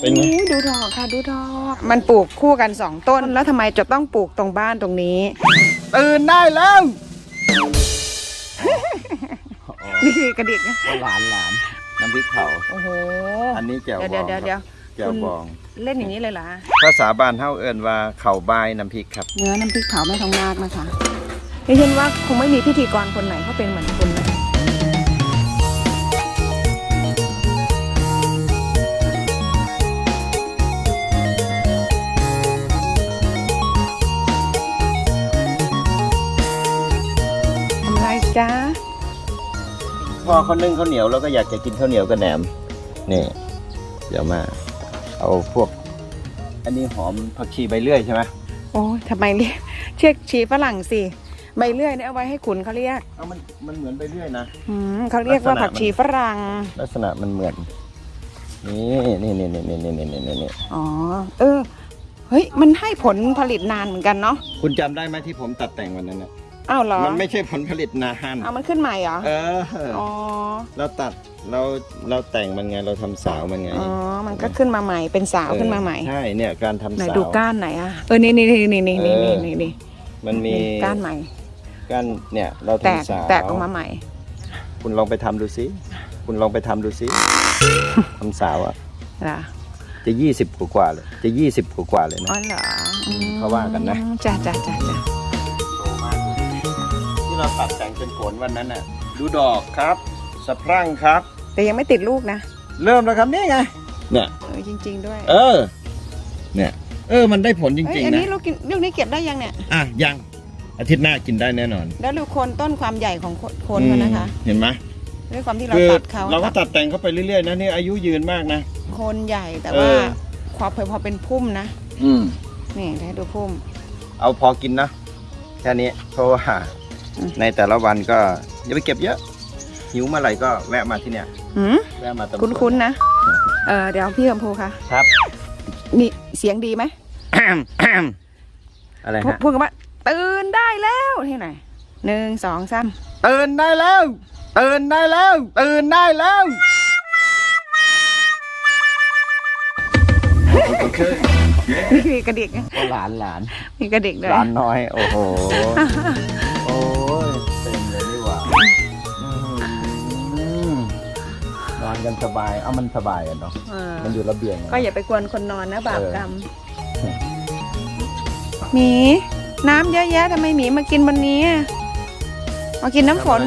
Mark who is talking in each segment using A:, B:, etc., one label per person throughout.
A: เป็นไง
B: ดูดอกค่ะดูดอกมันปลูกคู่กัน2 ต้นแล้วทำไมจะต้องปลูกตรงบ้านตรงนี้
A: ตื่นได้แล้ว
B: นี่คือกระดิกนะ
A: หลานน้ำพริกเผา
B: โอ้โห
A: อันนี้แจ่วบอง
B: เดี๋ยว
A: แจ่วบอง
B: เล่นอย่างนี้เลยเหรอ
A: ภาษาบ้านเฮาเอิ้นว่าเข่าบายน้ำพริกครับ
B: เนื้อน้ำพริกเผาแม่ทองนาคนะคะดิฉันว่าคงไม่มีพิธีกรคนไหนเขาเป็นเหมือนคุณนะจ้า
A: พอเขานึ่งข้าวเหนียวแล้วก็อยากจะกินข้าวเหนียวกับแหนมนี่เดี๋ยวมาเอาพวกอันนี้หอมผักชีใบเลื่อยใช่ไหม
B: โอ้ทำไมเรียกเชือกชีฝรั่งสิใบเลื่อยเนี่ยเอาไว้ให้ขุนเขาเรียก
A: มันเหมือนใบเลื่อยนะ
B: เขาเรียกว่าผักชีฝรั่ง
A: ลักษณะมันเหมือนนี่
B: อ๋อเฮ้ยมันให้ผลผลิตนานเหมือนกันเนาะ
A: คุณจำได้ไหมที่ผมตัดแต่งวันนั้นนะ
B: อ้าวเหรอ
A: มันไม่ใช่ผลผลิตนาน
B: มันขึ้นใหม่เหรอ
A: อ๋อเราตัดเราแต่งมันไงเราทำสาวมันไง
B: มันก็ขึ้นมาใหม่เป็นสาวขึ้นมาใหม่
A: ใช่เนี่ยการทำสาวไหน
B: ดูก้านไหนอ่ะนี่
A: มันมี
B: ก้านใหม่
A: ก้านเนี่ยเราทำสาว
B: แตกออกมาใหม่
A: คุณลองไปทำดูสิทำสาวอ่ะจะ20 กว่าเลยจะ20 กว่าเลยนะ
B: อ๋อเหรอ
A: เขาว่ากันนะ
B: จ้า
A: ที่เราตัดแต่งเป็นผลวันนั้นน่ะดูดอกครับสะพรั่งครับ
B: แต่ยังไม่ติดลูกนะ
A: เริ่มแล้วครับนี่ไงเนี่ย
B: จริงๆด้วย
A: เนี่ยมันได้ผลจริงๆนะ
B: อันนี้ลูกนี้เก็บได้ยังเนี่ย
A: ยังอาทิตย์หน้ากินได้แน่นอน
B: แล้วดูโคนต้นความใหญ่ของโคนเขานะคะ
A: เห็นไหม
B: ด้วยความที่เราตัด
A: เราก็ตัดแต่งเขาไปเรื่อยๆนะนี่อายุยืนมากนะ
B: โคนใหญ่แต่ว่าพอเป็นพุ่มนะนี่ให้ดูพุ่ม
A: เอาพอกินนะแค่นี้เพราะว่าในแต่ละวันก็อย่าไปเก็บเยอะหิวเมื่อไหร่ก็แวะมาที่เนี่ยแวะมาตรง
B: คุ้นๆนะเดี๋ยวพี่คำพูค่ะ
A: ครับ
B: นี่เสียงดีไหม
A: อะไรฮะ
B: พูดกันว่าตื่นได้แล้วที่ไหน1 2 3
A: ตื่นได้แล้ว
B: นี่คือกระดิก
A: หลาน
B: มีกระดิกด้วย
A: หลานน้อยโอ้โหโอ้ยเต็มเลยนี่หว่านอนกันสบายมันสบายกันเนาะมันอยู่ระเบียง
B: ก็อย่าไปกวนคนนอนนะบาปกรรมหมีน้ำเยอะแยะทำไมหมีมากินบนนี้มากินน้ำฝน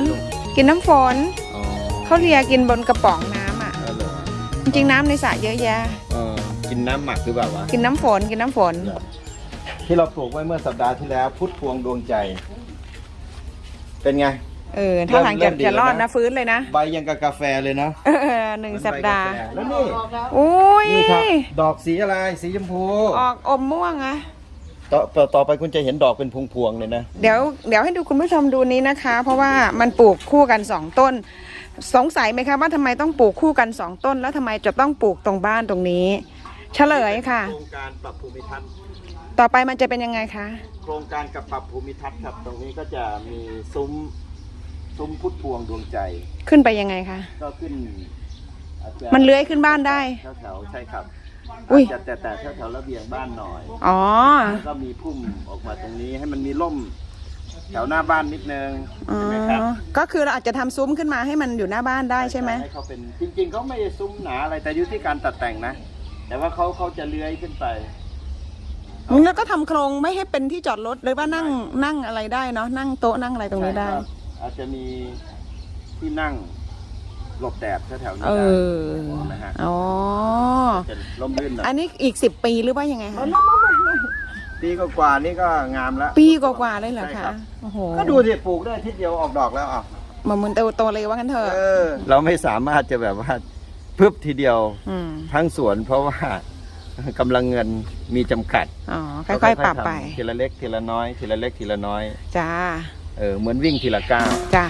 B: เขาเลียกินบนกระป๋องน้ำจริงๆน้ำในสระเยอะแยะ
A: กินน้ำหมักหรือเปล่าวะ
B: กินน้ำฝน
A: ที่เราปลูกไว้เมื่อสัปดาห์ที่แล้วพุทธพวงดวงใจเป็นไง
B: ถ้าหลังจะรอดนะฟื้นเลยนะ
A: ใบยังกับกาแฟเลยนะ
B: 1 สัปดาห์
A: แล้วนี่นี่ครับดอกสีอะไรสีชมพู
B: ออกอมม่วงอะ
A: ต่อไปคุณจะเห็นดอกเป็นพวงๆเลยนะ
B: เดี๋ยวให้ดูคุณผู้ชมดูนี้นะคะ เพราะว่ามันปลูกคู่กัน2 ต้นสงสัยไหมคะว่าทำไมต้องปลูกคู่กัน2 ต้นแล้วทำไมจะต้องปลูกตรงบ้านตรงนี้เฉลยค่ะ
A: โครงการปรับภูมิทัศน์
B: ต่อไปมันจะเป็นยังไงคะ
A: โครงการกับปรับภูมิทัศน์ครับตรงนี้ก็จะมีซุ้มพุทธพวงดวงใจ
B: ขึ้นไปยังไงคะ
A: ก็ขึ้น
B: มันเลื้อยขึ้นบ้านได้
A: แถวใช่ครับจะแต่แถวระเบียงบ้านหน่อยแล้วก็มีพุ่มออกมาตรงนี้ให้มันมีร่มแถวหน้าบ้านนิดนึงใช่ไหมครับ
B: ก็คือเราอาจจะทำซุ้มขึ้นมาให้มันอยู่หน้าบ้านได้ใช่ไหม
A: ให้เขาเป็นจริงๆเขาไม่ได้ซุ้มหนาอะไรแต่อยู่ที่การตัดแต่งนะแต่ว่าเขาจะเลื้อยขึ้นไป
B: แล้วก็ทำโครงไม่ให้เป็นที่จอดรถหรือว่านั่งอะไรได้เนาะนั่งโต๊ะนั่งอะไรตรงนี้ได้
A: อาจจะมีที่นั่งหลบแดดแถวๆนี้ได้นะฮะจะร่มรื่นหน่อย
B: อันนี้อีก10 ปีหรือว่ายังไงคะ
A: ปีกว่านี่ก็งามแล้ว
B: ปีกว่าเลยเหรอคะ
A: ก็ดูสิปลูกได้ทีเดียวออกดอกแล้ว
B: มันโตเลยว่ากันเถอะ
A: เราไม่สามารถจะแบบว่าพึบทีเดียวทั้งสวนเพราะว่ากำลังเงินมีจำกัด
B: ค่อยๆปรับไป
A: ทีละเล็กทีละน้อยทีละเล็กทีละน้อย
B: จ้า
A: เหมือนวิ่งทีละก้าว
B: จ้า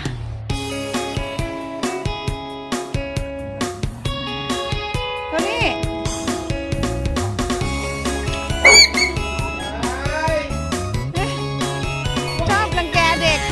B: ตัวนี้ชอบรังแกเด็ก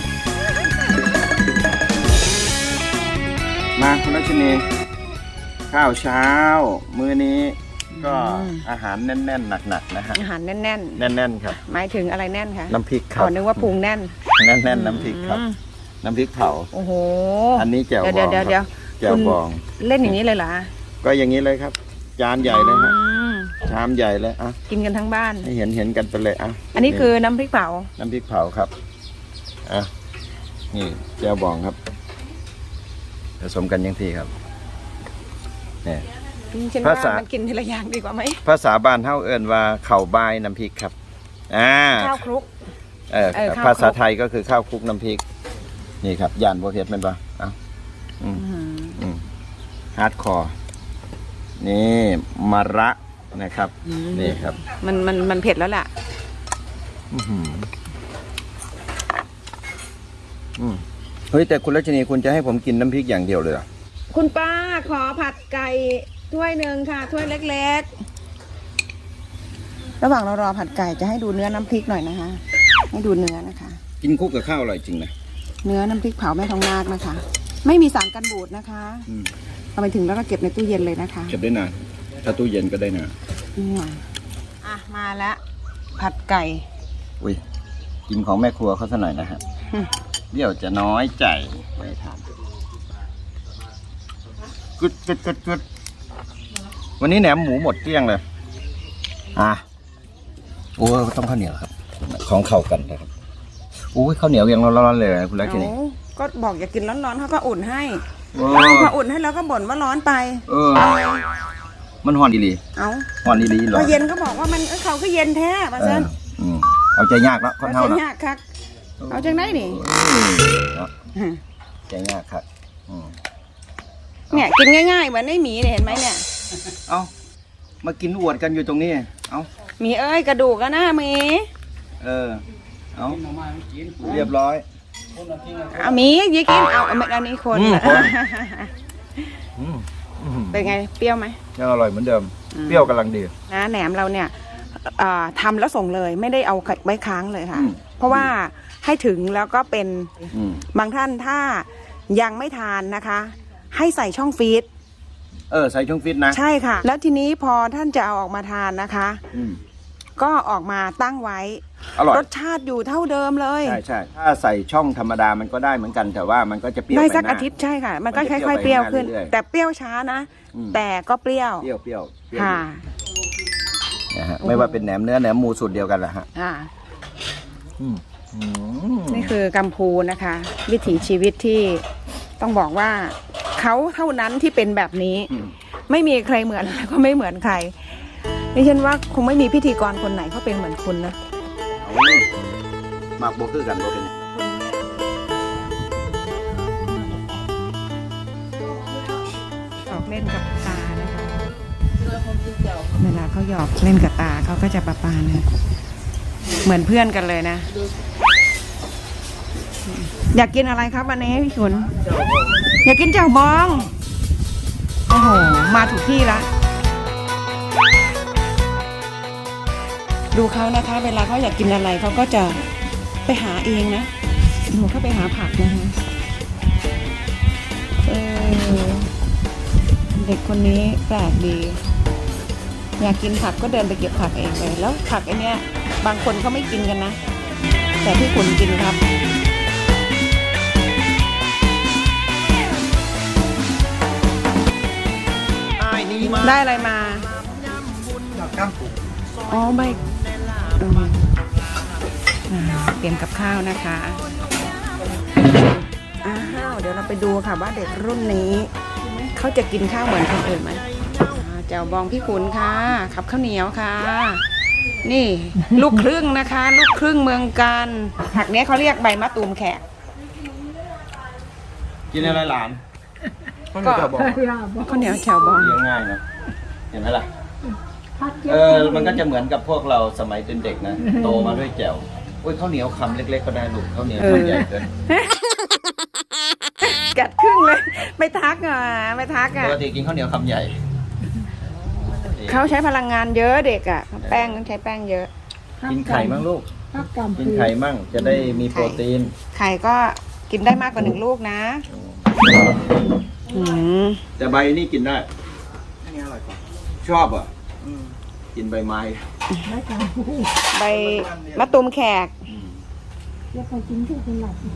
A: มาคุณรัชนีข้าวเช้า มื้อนี้ก็อาหารแน่นๆหนักๆนะฮะ
B: อาหารแน่น
A: แน่นๆครับ
B: ๆหมายถึงอะไรแน่นคะ
A: น้ำพริกครั
B: อ๋
A: บ
B: อนึกว่าพุงแน่น
A: แน่นๆน้ำพริกครับ น้ำพริกเผา
B: โอ้โห
A: อันนี้แจ่วบอง
B: เดี๋ยว
A: แจ่วบอง
B: เล่นอย่างนี้เลยเหรอ
A: ก็อย่างนี้เลยครับ จานใหญ่เลยฮะ
B: อืม
A: ชามใหญ่เลยอ่ะ
B: กินกันทั้งบ้าน
A: ให้เห็นกันไปเลยอ่ะ
B: อันนี้คือน้ำพริกเผา
A: น้ำพริกเผาครับอ่ะนี่แจ่วบองครับผสมกันยังทีครับเนี่ย
B: ฉัน
A: ภา
B: ว่า
A: ษามั
B: มันกินทีละอย่างดีกว่าไหม
A: ภาษาบ้านเฮาเอิ้นว่าข้าวบายน้ำพริกครับ
B: ข้าวคลุก ข้าวคลุก
A: ภาษาไทยก็คือข้าวคลุกน้ำพริก นี่ครับย่านโบเฮ็ดแม่นปะเอ้าฮาร์ดคอร์นี่มะระนะครับนี่ครับ
B: มันเผ็ดแล้วล่ะ
A: เฮ้ยแต่คุณรัชนีคุณจะให้ผมกินน้ำพริกอย่างเดียวเลยเหรอ
B: คุณป้าขอผัดไก่ถ้วยหนึ่งค่ะถ้วยเล็กๆระหว่างเรารอผัดไก่จะให้ดูเนื้อน้ำพริกหน่อยนะคะให้ดูเนื้อนะคะ
A: กินคลุกกับข้าวอร่อยจริงนะ
B: เนื้อน้ำพริกเผาแม่ทองนาคนะคะ ไม่มีสารกันบูดนะคะเอาไปถึงแล้วก็เก็บในตู้เย็นเลยนะคะ
A: เก็บได้นานถ้าตู้เย็นก็ได้นาน
B: มาแล้วผัดไก่
A: อุ้ยกินของแม่ครัวเขาซะหน่อยนะฮะเดี๋ยวจะน้อยใจไม่ทานกึดวันนี้แหนมหมูหมดเกลี้ยงเลยโอ้ต้องข้าวเหนียวครับ ของเข้ากันนะครับโอ้ยข้าวเหนียวยังร้อนๆเลยคุณรัชนี
B: ก็บอกอย่ากินร้อนๆเขาก็อุ่นให้
A: พ
B: ออุ่นให้แล้วก็บ่นว่าร้อนไป
A: มันห่อนดีหลี
B: เอา
A: ห่อนดีหลีหรอ
B: พอเย็นก็บอกว่ามันเขาก็เย็นแท้ป่ะเซน
A: เอาใจยากแล้วคนเท่า
B: เอา
A: นะ
B: ยากคักเอาจังได้นี่
A: ใจยากครับ
B: เนี่ยกินง่ายๆเหมือนไอ้หมีเนี่ยเห็นไหมเนี่ย
A: เอามากินอวดกันอยู่ตรงนี้เอา
B: หมีเอ้ยกระดูกก็น่าหมี
A: เอาเรียบร้อย
B: เอาหมียี่กินเอาอันนี้คน เป็นไงเปรี้ยวไหม
A: ยังอร่อยเหมือนเดิมเปรี้ยวกำลังดี
B: นะแหนมเราเนี่ยทำแล้วส่งเลยไม่ได้เอาไว้ค้างเลยค่ะ เพราะว่าให้ถึงแล้วก็เป็นบางท่านถ้ายังไม่ทานนะคะ ให้ใส่ช่องฟีด
A: ใส่ช่องฟีดนะ
B: ใช่ค่ะ แล้วทีนี้พอท่านจะเอาออกมาทานนะคะก็ออกมาตั้งไว้
A: อร่อย
B: รสชาติอยู่เท่าเดิมเลย
A: ใช่ถ้าใส่ช่องธรรมดามันก็ได้เหมือนกันแต่ว่ามันก็จะเปรี้ยว
B: ได้สักอาทิตย์ใช่ค่ะมันก็ค่อยๆเปรี้ยวขึ้นแต่เปรี้ยวช้านะแต่ก็เปรี้ยว
A: ค่ะนะฮะไม่ว่าเป็นแหนมเนื้อแหนมหมูสูตรเดียวกันแหละฮะ
B: นี่คือกัมพูนะคะ วิถีชีวิตที่ต้องบอกว่าเขาเท่านั้นที่เป็นแบบนี้ไม่มีใครเหมือนแล้วก็ไม่เหมือนใครดิฉันว่าคงไม่มีพิธีกรคนไหนเขาเป็นเหมือนคุณนะ
A: มากโบคือกันโบเป็น
B: หยอกเล่นกับตานะคะเวลาเขาหยอกเล่นกับตาเขาก็จะประปานะเหมือนเพื่อนกันเลยนะอยากกินอะไรครับวันนี้พี่ขุนอยากกินแจ่วบองโอ้โหมาถูกที่ละดูเขานะคะเวลาเขาอยากกินอะไรเขาก็จะไปหาเองนะหนูเข้าไปหาผักนะคะเด็กคนนี้แปลกดีอยากกินผักก็เดินไปเก็บผักเองเลยแล้วผักไอเนี้ยบางคนเขาไม่กินกันนะแต่พี่ขุนกินครับได้อะไรมาอ๋อใบเตรียมกับข้าวนะคะเดี๋ยวเราไปดูค่ะว่าเด็กรุ่นนี้เขาจะกินข้าวเหมือนคนอื่นไหมแจ่วบองพี่ขุนค่ะขับข้าวเหนียวค่ะนี่ลูกครึ่งนะคะลูกครึ่งเมืองกันผักนี้เขาเรียกใบมะตูมแขก
A: กินอะไรหลานข้าวเหนียวแจ่วบอง
B: ข้าวเหนียวแจ่วบอง
A: เลี้ยงง่ายนะเห็นไหมล่ะมันก็จะเหมือนกับพวกเราสมัยเป็นเด็กนะโตมาด้วยแจ่วโอ้ยข้าวเหนียวคำเล็กๆก็ได้ลูกข้าวเหนียวคำใหญ่เกิน
B: กัดครึ่งเลยไม่ทักป
A: กติกินข้าวเหนียวคำใหญ่
B: เขาใช้พลังงานเยอะเด็กอ่ะแป้งต้องใช้แป้งเยอะ
A: กินไข่มั่งลูกกินไข่มั่งจะได้มีโปรตีน
B: ไข่ก็กินได้มากกว่า1 ลูกนะ
A: แต่ใบนี่กินได้ชอบอ่ะกินใบไม้
B: ใบมะตูมแขก
C: แล้วพอกินที่เป็นหลับ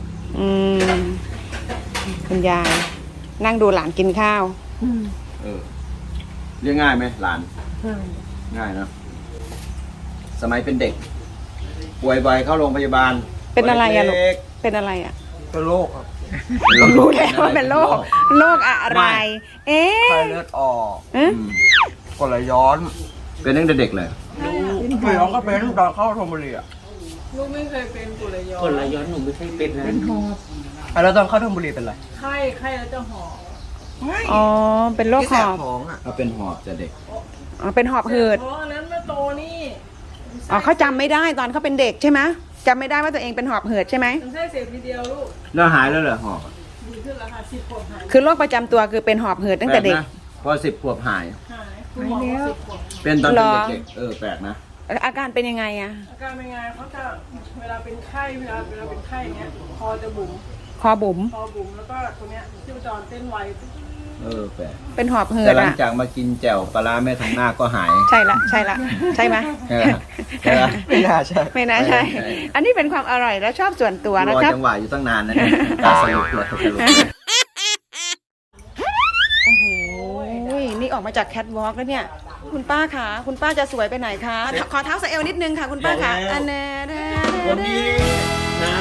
B: คุณยาย นั่งดูหลานกินข้าว
A: เออเรียกง่ายไหมหลาน
C: ใช่
A: ง่ายเนอะสมัยเป็นเด็ก ป่วยบ่อยเข้าโรงพยาบาล
B: เป็นอะไรอะลูก
A: เล็ก
B: เป็นอะไรอ่ะ
D: เป็นโรคครับ
A: ๆ
B: รู้แล้วว่าเป็นโรค โรคอะไร เอ๊
D: ไข้
B: ะ
D: เลือดออก
B: เอ๊ะ
A: อืม
D: กรดไหลย้อน
A: เป็นตั้งแต่เด็กเลย
D: เคยร้องก็เป็นตอนเข้าธนบุรีอ่ะ
E: ลูกไม่เคยเป็นกรดไหลย้อน
F: กดไหลย้อนหนูไม่เคยเป็นนะ
C: เป็นหอบ
D: แล้วตอนเข้าธนบุรีเป็นไร
E: ไข้แล้วจะหอบ
B: อ๋อ เป็นโรคหอบ
D: ท้องอ่ะ
A: เขาเป็นหอบจะเด็ก
B: อ๋อ เป็นหอบหืด
E: เพราะอันนั้นแม่โตนี่
B: อ๋อเขาจำไม่ได้ตอนเขาเป็นเด็กใช่ไหมจำไม่ได้ว่าตัวเองเป็นหอบหืดใช่ไหม
E: มันแค่เสพทีเดียวลูก
A: แล้วหายแล้วเหรอหอบ
E: ดีขึ้นแล้วค่ะ10 ขวบหาย
B: คือโรคประจำตัวคือเป็นหอบหืดตั้งแต่เด็ก
A: ปลนะพอ10 ขวบหาย
E: หายคุณหมอบอก10 ขวบ
A: เป็นตอน
B: เหร
A: เป็น
B: อ
A: เด็กๆแปลกนะ
B: อาการเป็นยังไงอะ
E: อาการเป็นไงเขาจะเวลาเป็นไข้เวลาเป็นไข้เนี้ยคอจะบุ๋ม
B: คอบุ๋ม
E: คอบุ๋มแล้วก็ตรงเนี้ยชีพจรเต้นไว
A: แปลก
B: เป็นหอบหื
A: แต่
B: ด
A: หลัง
B: อะ
A: จากมากินแจ่วปลาร้าแม่ทางหน้าก็หาย
B: ใช่ละ ใช่ละ ใช่ไหม
A: ใช่ไหมใช่ไหม
D: ไม่น่าใช่
B: ไม่น่าใช่ อันนี้เป็นความอร่อยและชอบส่วนตัว
A: ร
B: นะ
A: อ
B: ครับ
A: จังหวะอยู่ตั้งนานนะเนี่ยตาสนุกเลยสนุกเลย
B: โอ้โห นี่ออกมาจากแคทวอล์กแล้วเนี่ย คุณป้าคะคุณป้าจะสวยไปไหนคะ ขอเท้าสะเอวนิดนึงค่ะ คุณป้าคะอันเน่
A: วันนี้นะ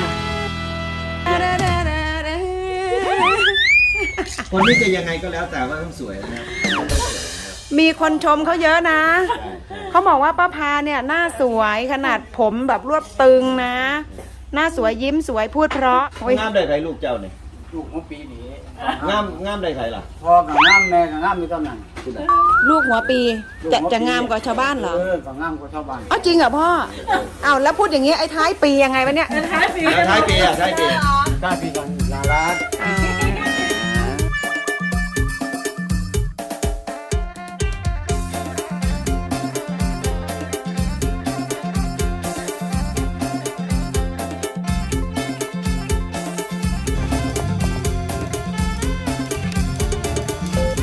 A: คนที่จะยังไงก็แล้วแต่ว่าต้องสวยนะ
B: มีคนชมเขาเยอะนะ เขาบอกว่าป้าพาเนี่ยหน้าสวยขนาดผมแบบรวบตึงนะ หน้าสวยยิ้มสวยพูดเพราะโอ้ย
A: งามได้ใครลูกเจ้าเนี่ย
F: ลูกของปีนี้
A: งามได้ใครล่ะ
F: พ่อกับงามแม่กับงามมีตำแหน่ง
A: คุณอ่ะ
B: ลูกหัวปีจะงามกว่าชาวบ้านเหรอ
F: กับงามกว่าชาวบ้าน
B: อ๋อจริงเหรอพ่ออ้าวแล้วพูดอย่างนี้ไอ้ท้ายปียังไงวะเนี่ย
E: ท้ายปี
A: ท้ายปีอ่ะท้ายปี
F: ได้ปีกันลาลา
B: อ๋อ